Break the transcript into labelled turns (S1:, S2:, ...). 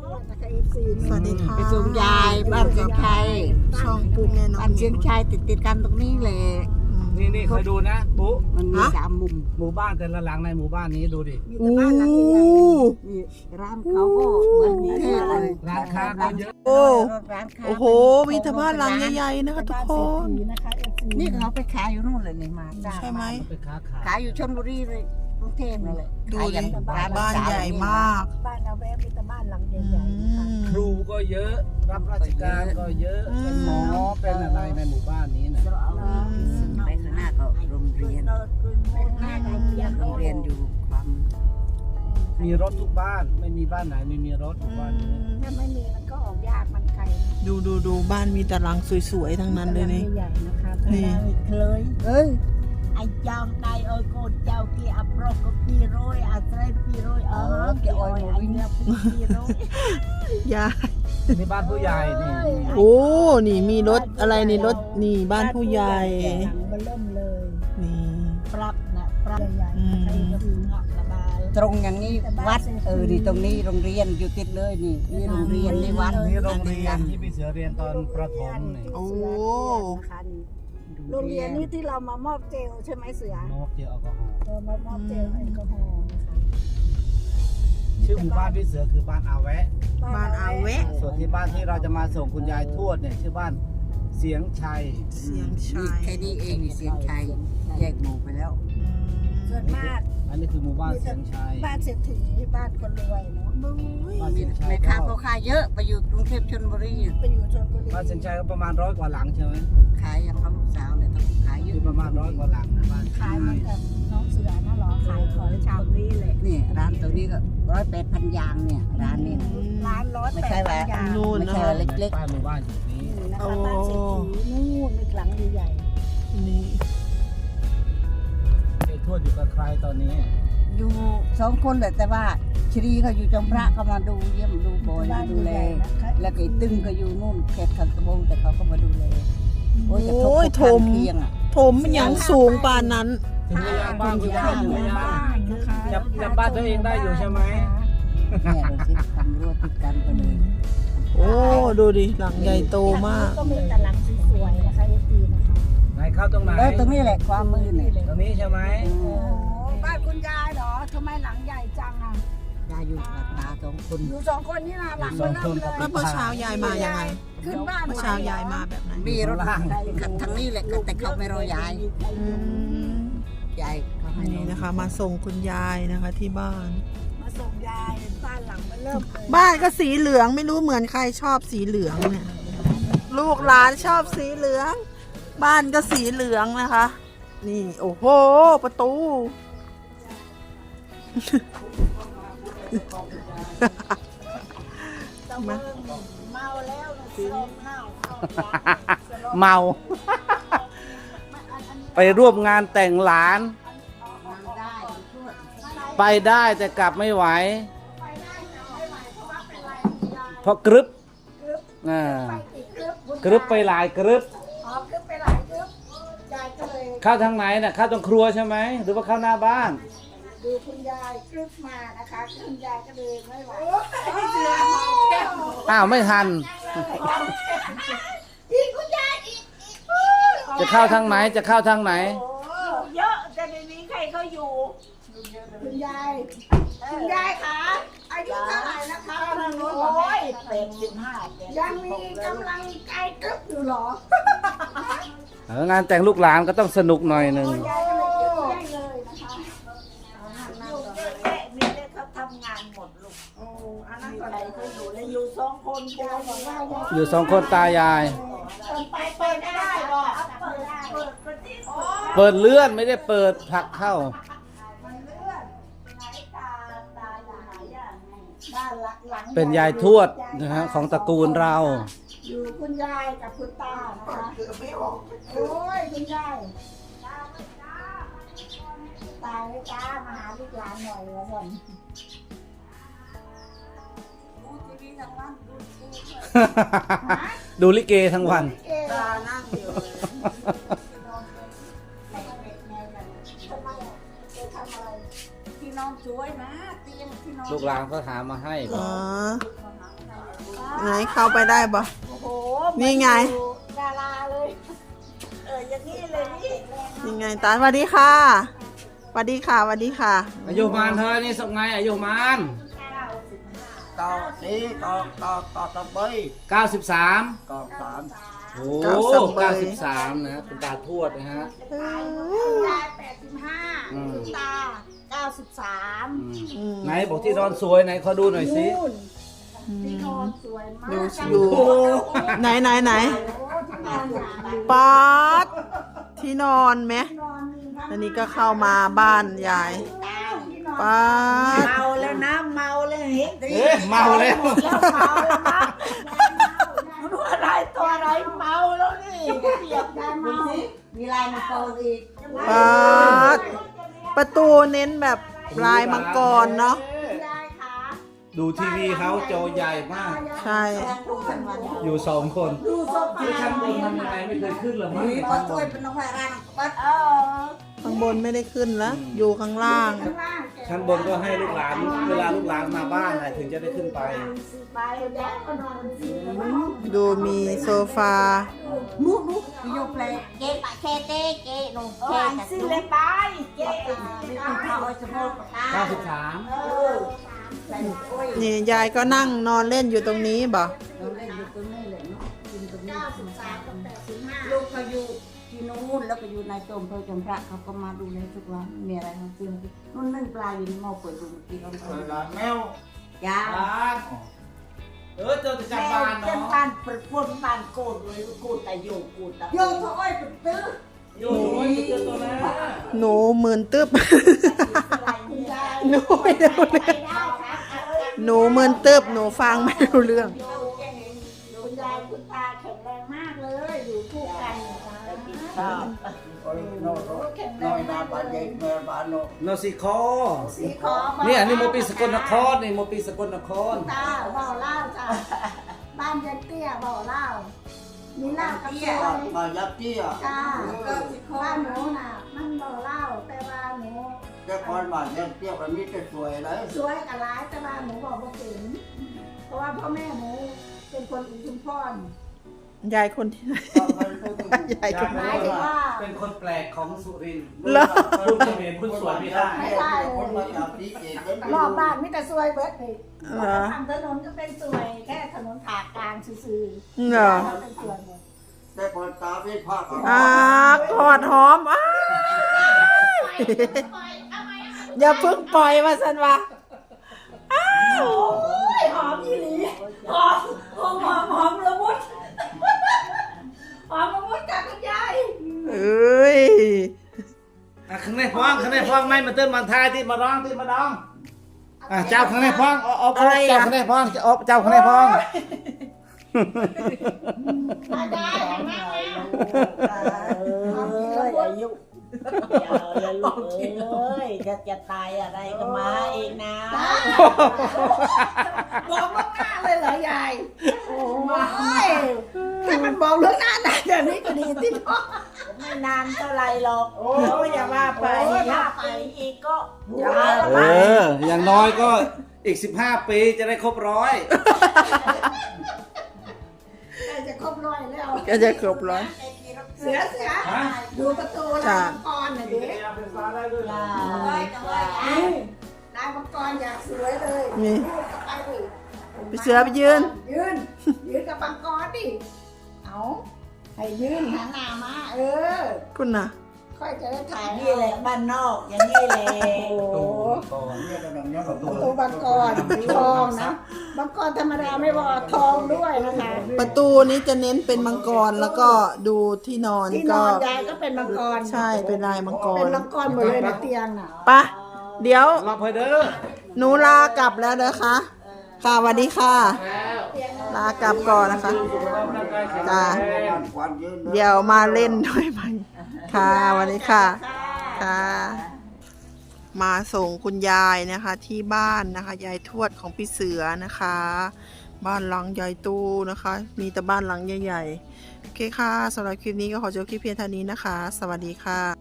S1: สวัสดีค่ะ
S2: ไปส่งยายบ้านเชียงชัย
S1: ช่องปุ๊แม่น้อง
S2: บ้านเชียงชัยติดกันตรงนี้เลย
S3: นี่เคยดูนะปุ๊
S2: มันมี3 มุม
S3: หมู่บ้านแต่ละหลังในหมู่บ้านนี้ดูดิ
S1: โอ้
S2: นี่ร้านเขาก็เหมือนกรุงเทพเลย
S3: ร้านค้าก็เยอะ
S1: โอ้
S2: ร้านค้า
S1: โอ้โหมีแต่บ้านหลังใหญ่ๆนะคะทุกคน
S2: นี่เขาไปขายอยู่นู่นเลยนี่มาจ้าง
S1: ใช่ไหม
S3: ไปค้าขาย
S2: ขายอยู่ชลบุรีเลยกรุงเทพนั่นแหละ
S1: ดู
S2: ขาย
S1: ดิ
S2: อย่างร้
S1: บ้านใหญ่มาก
S4: บ้านเราแวะมีแต่บ้านหลัง
S1: อื
S4: ใหญ่ๆนะคะ
S1: ม
S3: ครูก็เยอะรับราชการก็เยอะ
S1: อืม
S3: เป็นหมอเป็นอะไรในหมู่บ้านนี้นะ
S2: ไปข้างหน้าก็โรงเรียน
S4: ไปข้างหน้าโรงเรียน
S2: โรงเรียนอยู่ความ
S3: มีรถทุกบ้านไม่มีบ้านไหนไม่มีรถหมู่บ้านนี้
S4: ถ้าไม่มีมันก็ออกยากมันไกลนะ
S1: ดูบ้านมีแต่หลังสวยๆทั้งนั้นเลยนี่
S4: ใหญ่ๆนะคะ
S1: นี่
S4: เคย
S2: เอ้ย
S4: ไอ้จอมไดโอ้ยโกนเจ้ากี่อัปโรกก็กี่ร้อยอัตรากี่ร้อยกี่อ้อยไอ้เนี่ยกี่ร้อย
S1: ยาย
S3: นี่บ้านผู้ใหญ่นี่
S1: โอ้นี่มีรถอะไรนี่รถนี่บ้านผู้ใหญ่
S4: หลังมันเริ่มเลย
S1: นี่
S4: ปรับนะปรับใหญ่ๆใครก็คือเงาะระบาย
S2: ตรงอย่างนี้วัดนี่ตรงนี้โรงเรียนอยู่ติดเลยนี่โรงเรียนนี่วัด
S3: นี่โรงเรียนที่พี่เสือเรียนตอนประถมนี่
S1: โอ้
S4: นะคะนี่โรงเรียนนี่ที่เรามามอบเจลใช่ไหมเสือ
S3: น้องเจอแอลกอฮอล์
S4: มามอบเจลแอลกอฮอล์นะคะ
S3: ชื่อหมู่บ้านพี่เสือคือบ้านอาแวะ
S1: บ้านอาแวะ
S3: ส่วนที่บ้านที่เราจะมาส่งคุณยายทวดเนี่ยชื่อบ้านเสียงชัย
S1: เสียง
S2: นี่
S1: ชาย
S2: แค่นี้เองนี่เสียงชัยแยกหมู่ไปแล้ว
S4: ส่วนมาก
S3: อันนี้คือหมู่บ้านเสียงชัย
S4: บ้านเศรษฐีบ้านคนรวยเนาะ
S3: บ้านเสียงชัย
S2: ใน
S3: ก็
S2: ค้าเขาขายเยอะไปอยู่กรุงเทพชลบุรี
S4: ไปอยู่ชนบุรี
S3: บ้านเสียงชัยก็ประมาณ100 กว่าหลังใช่ไหม
S2: ขายอย่างเขาลูกสาวเนี่ยต้องขายเย
S3: มี
S2: อะ
S3: ประมาณ100 กว่าหลังนะบ้าน
S4: ขายเหมือนกับน้องเสือนะหรอขายของชาวนี้เลย
S2: นี่ร้านตัวนี้ก็108,000 ยางเนี่ยร้านนี้นะ
S4: ร้านร้อย
S2: ไม่
S4: แป
S2: ใช่
S4: ด
S2: ว่า
S4: ยาง
S1: นู่น
S2: ไม่
S1: นะ
S2: ใช่
S1: คะ
S2: ว่าเล็ก
S3: บ้านหมู่บ้านอยู่นี้
S4: นี่นะคะบ้านเศรษฐีนู่นนึกหลังใหญ่
S1: นี่
S3: ไอ้ทวดอยู่กับใครตอนนี้
S2: ๆอยู่2 คนแหละแต่ว่าชรีเขาอยู่จอมพระก็มาดูเยี่ยมดูบ่อย
S4: บ้าน
S2: ดูแล
S4: ใหญ่ๆนะคะ
S2: แล้วก็ไอ้ตึ้งก็อยู่นู่นเขตขันตะบงแต่เขาก็มาดูแลโอ้ยจะทบ
S1: โอ้ย
S2: ทบ
S1: ถม
S2: เพียงอ่ะ
S1: ถมมันยังสูงปานนั้น
S3: ถึงหรือยังบ้านคุณ
S4: บ้า
S3: ย่าน ถึงหรือยัง
S4: บ้านนะคะ
S3: จำบ้านตัวเองได้อยู่ใช่ไหม
S2: เนี่ยดูสิตำรวจติดกันไปเลย
S1: โอ้ดูดิหลังใหญ่โตมาก
S4: ก็มีแต่หลังสวยๆนะคะเอฟซีนะคะ
S3: ไหนเข้าตรงไหน
S2: แล้วตรงนี้แหละความมือเนี่ย
S3: ตรงนี้ใช่ไหม
S4: โอ้บ้านคุณยายเหรอทำไมหลังใหญ่จังอ่ะ
S2: ยายอยู่กับตา2 คน
S4: อยู่2 คนนี่นะหลังมันเริ่มเลย
S1: แล้วเมื่อเช้ายายมายังไง
S4: ขึ้นบ้าน
S1: เมื่อเช้ายายมาแบบไหน
S2: มีรถทางนี้แหละแต่เขาไม่รอยาย
S1: อืม
S2: ยายเขาให้
S1: นี่นะคะ มาส่งคุณยายนะคะที่บ้าน
S4: มาส่งยายบ้านหลังมันเริ่มเลย
S1: บ้านก็สีเหลืองไม่รู้เหมือนใครชอบสีเหลืองเนี่ย ลูกหลานชอบสีเหลือง บ้านก็สีเหลืองนะคะ นี่โอ้โหประตู
S4: ตะเมิงเมาแล้วสลบเน่าเข้าไป
S3: เมา ไปร่วมงานแต่งหลาน
S2: ได้ช่วย
S3: ไปได้แต่กลับไม่ไหว เพราะกรึบอ่ากรึบไปหลายกรึบ
S4: อ๋อขึ้นไปหลายกึ๊บยายก็เลย
S3: เข้าทางไหนน่ะเข้าตรงครัวใช่ไหมหรือว่าเข้าหน้าบ้าน
S4: ดูคุณยายกึ๊บมานะคะคุณยายก็เลยไม่ไหว
S3: อ้าวไม่ทัน
S4: อีกคุณยายอีก
S3: จะเข้าทางไหนจะเข้าทางไหน
S4: โอ้เยอะแต่ในนี้ใครเขาอยู่คุณยายคุณยายคะอายุเท่าไหร่นะคะโอ้ย85ยังมีกำลังใจกึ๊บอยู่เหรอ
S3: งานแต่งลูกหลานก็ต้องสนุกหน่อยหนึ่ง
S4: ยายก็เลยเก็บไว้เลยนะคะลูกเยอะแยะมีแต่เขาทำงานหมดลูกโอ้อันนั้นก็ไหนเขาอยู่แล้วอยู่2 คนยายบอกว่า
S3: อยู่2 คนตายาย
S4: ไปเปิดไม่ได้หรอกเปิดได้เปิดก็ที่สุด
S3: เปิดเลื่อนไม่ได้เปิดผลักเข้า
S4: มันเลื่อนไหนตาอยู่ไหนอ่ะบ้านหลัง
S3: เป็นยายทวดนะฮะของตระกูลเรา
S4: อยู่คุณยายกับคุณตานะคะโอ้ยคุณยายตาไม่ตามาหาลูกหลานหน่อยแล้วก่อน
S3: ดูลิเกทั้งวัน
S4: ตานั่งอยู่ที่นอนสวยนะเตียงที่นอน
S3: ลูกหลานก็หามาให้
S1: อ๋อไหนเข้าไปได้บ่
S4: โอ้โห
S1: นี่ไง
S4: ดาราเลยอย่างนี้เลยนี่
S1: นี่ไงตาสวัสดีค่ะสวัสดีค่ะสวัสดีค่ะ
S3: อายุมานเธอนี่สักไงอายุมาน
S2: ต่อสีต่อตะเบย
S3: 93
S2: ต่อสาม
S3: โอ้ 93นะคุณตาทวดนะฮะ
S4: ยาย85
S3: อืม
S4: คุณตา93
S3: อืมไหนบอกที่นอนสวยไหนขอดูหน่อยสิ
S4: นู่นที่นอนสวยมาก
S1: อยู่ไหนไหนไหน
S4: โอ้ที่นอนอย่างดี
S1: ป๊าดที่นอนไหม
S4: นอนมีทั้ง
S1: อันนี้ก็เข้ามาบ้านยาย
S4: ที่นอน
S1: ป๊าด
S4: เมาแล้วนะเมาแล้วเห็น
S3: เอ๊ะเมาแล้ว
S4: แล้วเมาแล้วนะรู้อะไรตัวอะไรเมาแล้วนี่เปียกยายเมา
S2: มีลายมังกรอีก
S1: ป๊าดประตูเน้นแบบลายมังกรเนาะ
S4: ยายขา
S3: ดูทีวีเขาจอใหญ่มาก
S1: ใช่
S3: อยู่2 คน
S4: ดูโซฟา
S3: ที่ชั้นบนทำยังไงไม่เคยขึ้นเหรอมั้ง
S2: มีปลาถ้วยเป็นน้องแพรรันปัด
S1: ข้างบนไม่ได้ขึ้นแล้วอยู่ข้างล่าง
S4: ข้างล่าง
S3: ชั้นบนก็ให้ลูกหลานเวลาลูกหลานมาบ้านน่ะถึงจะได้ขึ้นไป
S4: ไปแล้วก็นอนสิ
S1: ดูมีโซฟา
S2: มุกโยเปลเกปะเคเตเกนง
S4: เอ
S2: เค
S4: อ
S2: ตะ
S4: สิ
S2: ตุ
S4: เลยไปเจ๊
S2: มีคุณข้าวไอ้สมบูรณ์ตา
S3: 93
S1: นี่ยายก็นั่งนอนเล่นอยู่ตรงนี้บ่
S2: เราเล่นอยู่ตรงนี้เลยเนาะกินตรงนี้
S4: 93กับ85
S2: ลูกเขาอยู่ที่นู้นแล้วก็อยู่ในตมเพื่อจำพระเขาก็มาดูแลทุกวันมีอะไรเขาซื้อนู่นนึ่งปลาอยู่ในหม้อเปิดดูเมื่อกี้เขาแมวจ้า
S3: เออเจอแต่
S4: แม
S3: จำ
S4: ว
S3: บ้าน
S4: เป็น
S3: เนาะ
S4: บ้านเปิดปนบ้านโกดเลยโกดแต่โยกโกดแต่
S2: โยกเขาอ้อยเป็นตื้อ
S3: อยู่เจอตัวนั้น
S1: หนูหมื่นตึ๊บ
S4: คุณยาย
S1: หนูไม่รู้เรื่อง
S4: ได้ครับ
S1: หนูหมื่นตึ๊บหนูฟังไม่รู้เรื่อง
S4: คุณยายคุณตาแข็งแรงมากเลยอยู่คู่กันแข็งแรงมากเลย
S3: โนสิคอ
S4: สีขอ
S3: นี่อันนี้โมปีสกลนครนี่โมปีสกลนคร
S4: ตาเบาเล่าจ้ะบ้านยันเตี้ยเบาเล่ามีเล่ากับซอย
S2: มายักษ์เตี้ย
S4: จ้าบ้านหนูน่ะมันเบาเล่าแต่ว่าหนู
S2: แต่คนมายักษ์เตี้ยมันมีแต่สวยเลย
S4: สวยกับร้ายแต่ว่าหนูบอกว่าเป็นเพราะว่าพ่อแม่หนูเป็นคนอุทุมพร
S1: ยายคนที่ไหนยายคน
S4: ห
S1: ไหน
S4: มายถึงว่า
S3: เป็นคนแปลกของสุรินทร์
S1: เหรอ
S3: คุณเขมรคุณสวยไม่ได้
S2: คนมาจับดีเจน
S4: รอบบ้านมีแต่สวยเบิดเลย
S1: เหรอ
S4: ทางถนนก็เป็นสวยแค่ถนนผ่ากลางซื่อๆ
S1: เหรอ
S4: เป็นสวยหมด
S2: แต่คนตาไม่ภาค
S1: กอดหอมอ้ายอย่าเพิ่งปล่อยมาสันวะ
S4: โอ้ยหอมยี่หลีหอมละมุดหอมละมุดจากคุณยาย
S1: เอ้ย
S3: ข้างในพ้องไม่มาเต้นมาทายที่มาร้องที่มาร้องเจ้าข้างในพ้องเอาเจ้าข้างในพ้องเจ้าข้างในพ้อง
S4: มาได้เห็นไหม
S2: อายุอย่าลูกเอ้ยจะตายอะไรก็มาเองนะ
S4: บอกล่วงหน้าเลยเหรอยายโอ้ยถ้ามันบอกล่วงหน้าได้เดี๋ยวนี้ก็ดีที่น้อง
S2: ไม่นานเท่าไรหรอกโอ้อย่าว่าไปถ้าไปอีกก็อย่า
S3: อย่างน้อยก็อีก15 ปีจะได้ครบ100
S4: ใกล้จะครบร้อยแล้ว
S1: ก็จะครบร้อย
S4: เสือดูประตูลายมังกรหน่อยดิลายมังกรอยากสวยเลย
S1: นี่
S4: ไปดิ
S1: พี่เสือไปยืน
S4: ยืนกับมังกรดิเอาให้ยืนหันหน้ามา
S1: คุณน่ะ
S4: ค่อยจะได้ถ่าย
S2: นี่แหละบ้านนอกอย่างนี้แหละ
S4: โอ้โหประตูมังกรทองนะมังกรธรรมดาไม่พอทองด้วยนะคะ
S1: ประตูนี้จะเน้นเป็นมังกรแล้วก็ดูที่นอน
S4: ที่น
S1: ก็
S4: อนยายก็เป็นมังกร
S1: ใช่เป็นลายมังก
S4: เป็น
S1: ร
S4: มังกรหมดเลยในเตียงน่ะ
S1: ปะเดี๋ยว
S3: รับไปเด้อ
S1: หนูลากลับแล้วนะคะ ค่ะสวัสดีค่ะ ลากลับก่อนนะคะจ้าเดี๋ยวมาเล่นด้วยไหมค่ะสวัสดีค่ะค่ะ มาส่งคุณยายนะคะ ที่บ้านนะคะยายทวดของพี่เสือนะคะ บ้านหลังใหญ่ตู้นะคะ มีแต่บ้านหลังใหญ่ๆโอเคค่ะสำหรับคลิปนี้ก็ขอจบคลิปเพียงเท่านี้นะคะ สวัสดีค่ะ